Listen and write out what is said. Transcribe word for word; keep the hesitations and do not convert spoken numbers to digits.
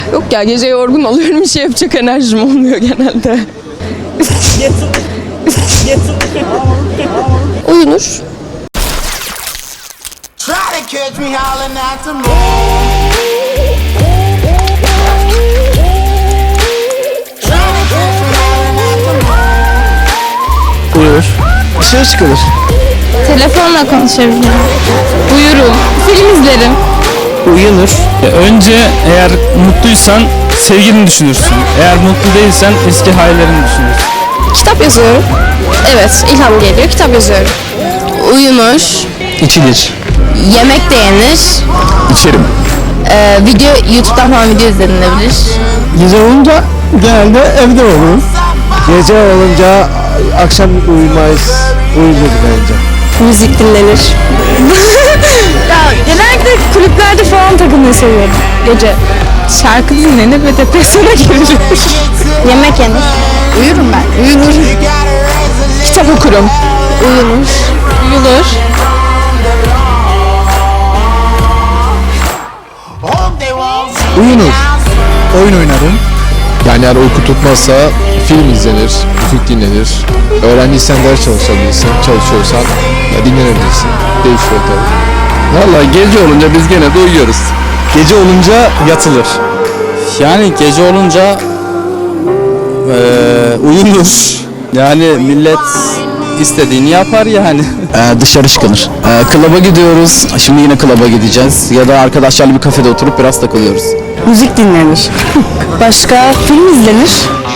Yok ya, gece yorgun oluyorum, bir şey yapacak enerjim olmuyor genelde. Uyunur. Uyur. Dışarı çıkılır. Telefonla konuşabilirim. Uyurum. Film izlerim. Uyunur. Önce eğer mutluysan sevgilini düşünürsün. Eğer mutlu değilsen eski hayallerini düşünürsün. Kitap yazıyorum. Evet, ilham geliyor, kitap yazıyorum. Uyunur. İçilir. Yemek de yenir. İçerim. Ee, video, YouTube'dan falan video izlenilebilir. Gece olunca genelde evde oluruz. Gece olunca akşam uyumayız. Uyuruz bence. Müzik dinlenir. Ya genellikle kulüplerde falan takılmayı seviyorum gece. Şarkı dinlenir ve depresyona girilir. Yemek yenir. Uyurum ben. Uyunur. Kitap okurum. Uyunur. Uyulur. Uyunur. Oyun oynarım. Yani eğer uyku tutmazsa film izlenir, müzik dinlenir. Öğrenciysen ders çalışabilirsin, çalışıyorsan ya dinlenebilirsin. Değişiyor tabii. Vallahi gece olunca biz gene de uyuyoruz. Gece olunca yatılır. Yani gece olunca eee uyunur. Yani millet istediğini yapar yani. Ee, dışarı çıkılır. Ee, klaba gidiyoruz. Şimdi yine klaba gideceğiz. Ya da arkadaşlarla bir kafede oturup biraz takılıyoruz. Müzik dinlenir. Başka film izlenir.